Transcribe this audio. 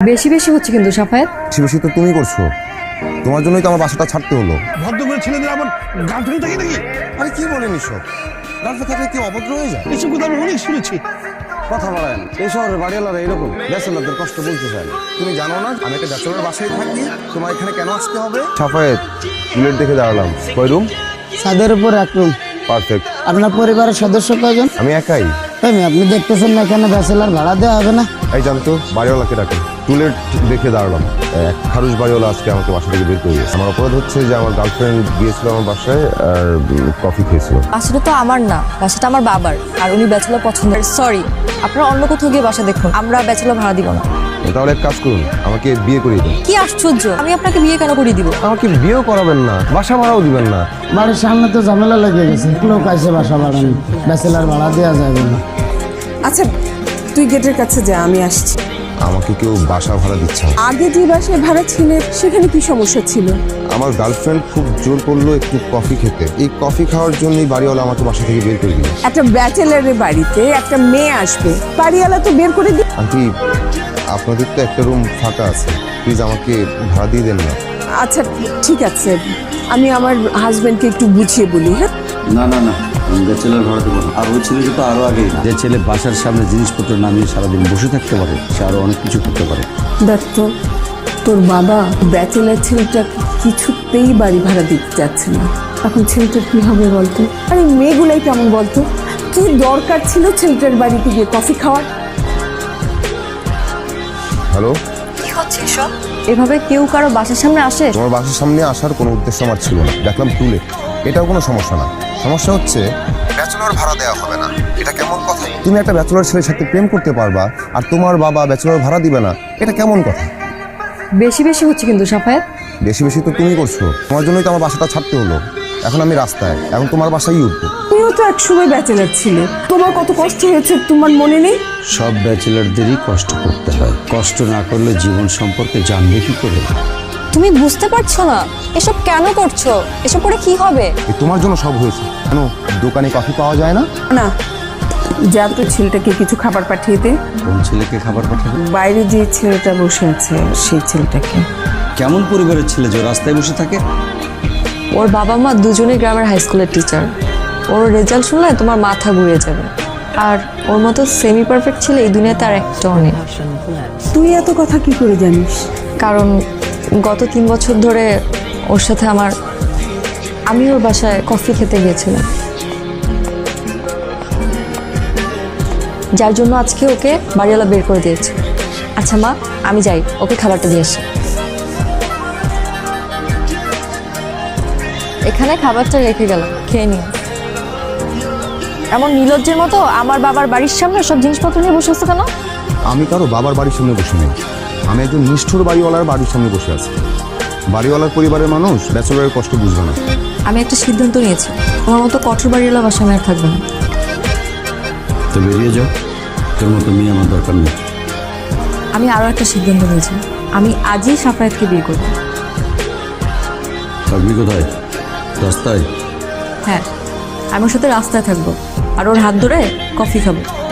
বেশি বেশি হচ্ছে কিন্তু সাফায়াত। বেশি বেশি তো তুমি করছো, তোমার জন্যই তো আমার বাসাটা ছাড়তে হলো। ভদ্র করে ছেলেদের আমার গার্লফ্রেন্ড থাকে নাকি? আরে কি বলেন এসব? গার্লফ্রেন্ড থাকলে কি অভদ্র হয়ে যায়? এসব কথা আমি অনেক শুনেছি। কথা বলেন, এই শহরের বাড়িওয়ালারা এরকম ব্যাচেলারদের কষ্ট বলতে চায় না। তুমি জানো না আমি একটা ব্যাচেলার বাসায় থাকি, তোমার এখানে কেন আসতে হবে? সাফায়েত, বুলেট দেখে দাঁড়ালাম। কয় রুম? ছাদের উপর এক রুম। পারফেক্ট। আপনার পরিবারের সদস্য কয়জন? আমি একাই। তাই না? আপনি দেখতেছেন না এখানে ব্যাচেলার ভাড়া দেওয়া হবে না? এই জানতো বাড়িওয়ালাকে ডাকে। টুলেট দেখে দাঁড়ালাম, এক খারুশ বাড়িওয়ালা আজকে আমাকে বাসা থেকে বের করে দিয়েছে। আমার অপরাধ হচ্ছে যে আমার গার্লফ্রেন্ড গিয়েছিল আমার বাসায় আর কফি খেয়েছিল। বাসাটা তো আমার না, বাসাটা আমার বাবার, আর উনি ব্যাচেলর পছন্দ। সরি, আপনারা অন্য কোথাও গিয়ে বাসা দেখুন, আমরা ব্যাচেলর ভাড়া দিব না। তাহলে এক কাজ করুন, আমাকে বিয়ে করিয়ে দিন। কি আশ্চর্য, আমি আপনাকে বিয়ে কেন করিয়ে দিব? আমাকে বিয়েও করাবেন না, বাসা ভাড়াও দিবেন না। বাড়ির সামনে তো ঝামেলা লেগে গেছে, লোক আইসে বাসা বাড়ানো, ব্যাচেলার ভাড়া দেওয়া যাবে না। আচ্ছা তুই গেটের কাছে যা, আমি আসছি। আমাকে কেউ বাসা ভাড়া দিচ্ছে না। আগে যে বাসায় ভাড়া ছিল সেখানে কি সমস্যা ছিল? আমার গার্লফ্রেন্ড খুব জোর করলো একটু কফি খেতে, এই কফি খাওয়ার জন্যই বাড়িওয়ালা আমাকে বাসা থেকে বের করে দিল। একটা ব্যাচেলারের বাড়িতে একটা মেয়ে আসবে, বাড়িওয়ালা তো বের করে দিবে। আন্টি, আপনাদের তো একটা রুম ফাঁকা আছে, প্লিজ আমাকে ভাড়া দিয়ে দেন না। আচ্ছা ঠিক আছে, আমি আমার হাজবেন্ডকে একটু বুঝিয়ে বলি। হ্যাঁ না না না, আমি ব্যাচেলার ভাড়া দেবো না। আর ওই ছেলেকে তো আরো আগেই, যে ছেলে বাসার সামনে জিনিসপত্র নামিয়ে সারাদিন বসে থাকতে পারে, সে আরো অনেক কিছু করতে পারে। দেখ তো, তোর বাবা ব্যাচেলার ছেলেটা কিছুতেই বাড়ি ভাড়া দিতে চাচ্ছে না। এখন ছেলেটার কি হবে বলতো? আরে মেয়েগুলাই কেমন বলতো? কি দরকার ছিল ছেলেটার বাড়িতে গিয়ে কফি খাওয়ার? হ্যালো, কি হচ্ছে এসব? এভাবে কেউ কারো বাসার সামনে আসে? তোমার বাসার সামনে আসার কোনো উদ্দেশ্য আমার ছিল না। দেখলাম টুলেট, এটাও কোনো সমস্যা না। সমস্যা হচ্ছে ব্যাচেলর ভাড়া দেওয়া হবে না। এটা কেমন কথা? তুমি একটা ব্যাচেলর ছেলের সাথে প্রেম করতে পারবা আর তোমার বাবা ব্যাচেলর ভাড়া দিবে না, এটা কেমন কথা? বেশি বেশি হচ্ছে কিন্তু সাফায়াত। বেশি বেশি তো তুমি করছো, তোমার জন্যই তো আমার বাসাটা ছাড়তে হলো। এখন আমি রাস্তায়, এখন তোমার বাসায় উঠবো। তুমিও তো একসময় ব্যাচেলার ছিলে, তোমার কত কষ্ট হয়েছে তোমার মনে নেই? সব ব্যাচেলারদেরই কষ্ট করতে হয়, কষ্ট না করলে জীবন সম্পর্কে জানবে কি করে? তুমি বুঝতে পারছো না এসব কেন করছো? এসব করে কি হবে? এই তোমার জন্য সব হয়েছে। কেন দোকানে কফি পাওয়া যায় না? না, যা তো ছেলেটাকে কিছু খাবার পাঠিয়ে দে। কোন ছেলেকে খাবার পাঠাবে? বাইরে যে ছেলেটা বসে আছে সেই ছেলেটাকে। কেমন পরিবারের ছেলে যে রাস্তায় বসে থাকে? ওর বাবা মা দুজনেই গ্রামের হাই স্কুলের টিচার। ওর রেজাল্ট শুনলে তোমার মাথা ঘুরে যাবে। আর ওর মতো সেমি পারফেক্ট ছেলে এই দুনিয়াতে আর একটাও নেই। তুই এত কথা কি করে জানিস? কারণ গত 3 বছর ধরে ওর সাথে আমি ওর বাসায় কফি খেতে গিয়েছিলাম, যার জন্য আজকে ওকে বাড়িওয়ালা বের করে দিয়েছে। আচ্ছা মা, আমি যাই, ওকে খাবারটা দিয়ে আসি। এখানে খাবারটা রেখে গেলাম, খেয়ে নিও। এমন নির্লজ্জের মতো আমার বাবার বাড়ির সামনে সব জিনিসপত্র নিয়ে বসে আছে কেন? আমি কারো বাবার বাড়ির সামনে বসে নেই, আমি একজন নিষ্ঠুর বাড়িওয়ালার বাড়ির সামনে বসে আছি। বাড়িওয়ালার পরিবারের মানুষ ব্যাচেলরের কষ্ট বুঝবে না। আমি একটা সিদ্ধান্ত নিয়েছি, তোমার মতো কঠোর বাড়িওয়ালা বাসা আমি আর থাকবে না। তো বেরিয়ে যাও, তোর মতো মেয়ে আমার দরকার নেই। আমি আরও একটা সিদ্ধান্ত নিয়েছি, আমি আজই সাফায়াতকে বিয়ে করব। থাকবি কোথায়? রাস্তায়? হ্যাঁ, আমি ওর সাথে রাস্তায় থাকবো আর ওর হাত ধরে কফি খাবো।